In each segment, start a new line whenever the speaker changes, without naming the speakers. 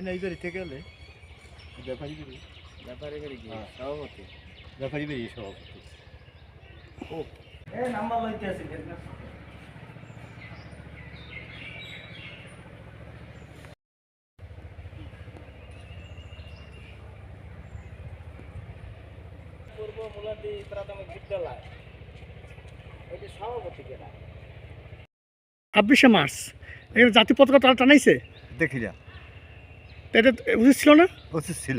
এই বাড়ি থেকে এলে ব্যাপারী বাড়ি কি সভাপতি ব্যাপারী বাড়ি সভাপতি ও নাম্বার লইতে আছে পূর্ব মুলাদি প্রাথমিক বিদ্যালয় এটা সভাপতি কেনা
26শে মার্চ এখানে জাতীয় পতাকা তারা টানাইছে
দেখি না
এটা উচিত ছিল না?
উচিত ছিল।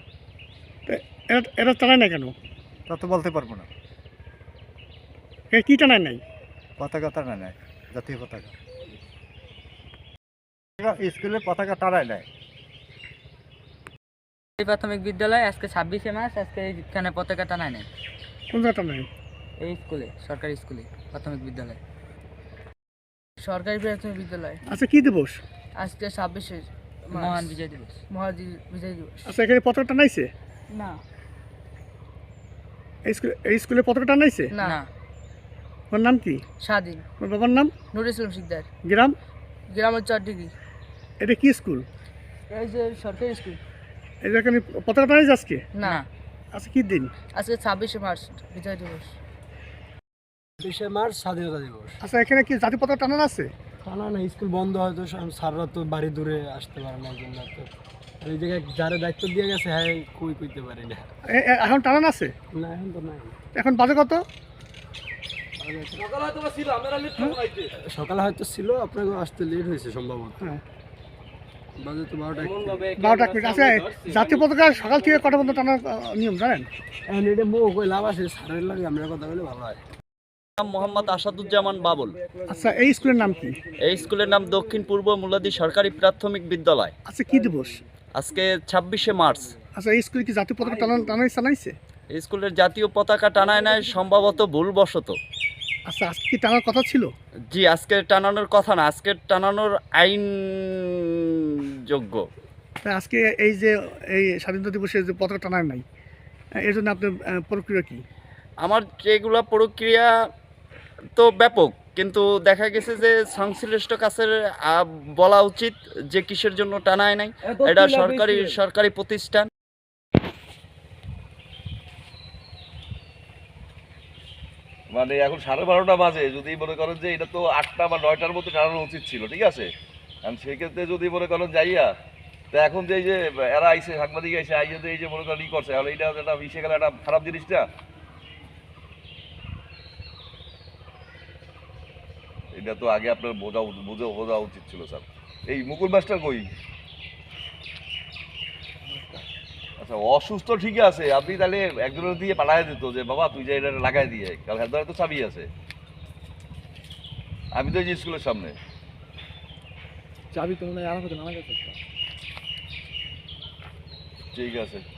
এটা টানায় না কেন?
তা তো বলতে পারবো না।
এটা কি টানায় নাই?
পতাকা টানা নাই, জাতীয় পতাকা স্কুলের পতাকা টানায় নাই।
প্রাথমিক বিদ্যালয় আজকে 26শে মার্চ, আজকে এখানে পতাকা টানায় নাই।
কোন জায়গা টানায়?
এই স্কুলে, সরকারি স্কুলে প্রাথমিক বিদ্যালয়, সরকারি প্রাথমিক বিদ্যালয়।
আচ্ছা কি দিবস?
আজকে 26শে মহান বিজয় দিবস, মহান বিজয় দিবস।
আচ্ছা এখানে পতাকা টানাইছে
না,
এই স্কুলে পতাকা টানাইছে
না।
ওর নাম কি?
স্বাধীন।
ওর বাবার নাম?
নুরুল ইসলাম শিকদার।
গ্রাম?
গ্রাম 4 ডিগ্রি।
এটা কি স্কুল?
এই যে সরকারি স্কুল।
এই যে এখানে পতাকা টানাইছে আজকে?
না।
আচ্ছা কি দিন?
আজকে 26শে মার্চ বিজয় দিবস।
26শে মার্চ স্বাধীনতা দিবস।
আচ্ছা এখানে কি জাতীয় পতাকা টানানো আছে?
টানা না, স্কুল বন্ধ, হয়তো স্যাররা তো বাড়ি দূরে আসতে পারে না, এই জন্য তো এই জায়গায় যারা দায়িত্ব দিয়ে গেছে হ্যাঁ কইতে পারি না।
এখন টানানো আছে?
না এখন তো নাই।
এখন বাজে কত?
সকালে হয়তো ছিল, আপনাকে আসতে লেট হয়েছে সম্ভবত।
হ্যাঁ
বাজে তো 12টা
12টা। আচ্ছা জাতীয় পতাকা সকাল থেকে কটা পর্যন্ত টানার নিয়ম জানেন?
এখন এটা মুখ কই লাভ আছে, স্যারের লাগে আমরা কথা বলে ভালো হয়।
নাম মোহাম্মদ আসাদুজ্জামান বাবুল।
আচ্ছা এই স্কুলের নাম কি?
এই স্কুলের নাম দক্ষিণ পূর্ব মুলাদি সরকারি প্রাথমিক বিদ্যালয়।
আচ্ছা কি দিবস?
আজকে 26শে মার্চ।
আচ্ছা এই স্কুলে কি জাতীয় পতাকা টানাইছে?
এই স্কুলের জাতীয় পতাকা টানায় নাই, সম্ভবত ভুলবশত।
আচ্ছা আজকে কি টানার কথা ছিল?
জি, আজকে টানানোর কথা না, আজকে টানানোর আইন যোগ্য।
আজকে এই যে এই স্বাধীনতা দিবসে যে পতাকা টানার নাই, এর জন্য আপনার প্রক্রিয়া কি?
আমার এগুলা প্রক্রিয়া তো ব্যাপক, কিন্তু দেখা গেছে যে সংশ্লিষ্ট কাছের বলা উচিত যে কিসের জন্য টানায় নাই। এটা সরকারি প্রতিষ্ঠান।
মানে এখন 12:30 বাজে, যদি মনে করেন যে এটা তো 8টা বা 9টার মধ্যে টানানো উচিত ছিল, ঠিক আছে? কারণ সেক্ষেত্রে যদি মনে করেন যাইয়া, তো এখন যে এই যে এরা আইসে, সাংবাদিক আইসে আইসে এই যে মনে করেন ই করছে, তাহলে এটা একটা মিশে গেলে একটা খারাপ জিনিসটা। এটা তো আগে আপনার বোঝা উচিত ছিল স্যার। এই মুকুল মাস্টার কই? আচ্ছা অসুস্থ ঠিক আছে, আপনি তাহলে একজনের দিয়ে পাঠায় দিত যে বাবা তুই যে এটা লাগাই দিয়ে, কাল হ্যাঁ তো চাবি আছে। আমি তো এই যে স্কুলের সামনে
চাবি তো মনে হয় আমার কাছে।
ঠিক আছে।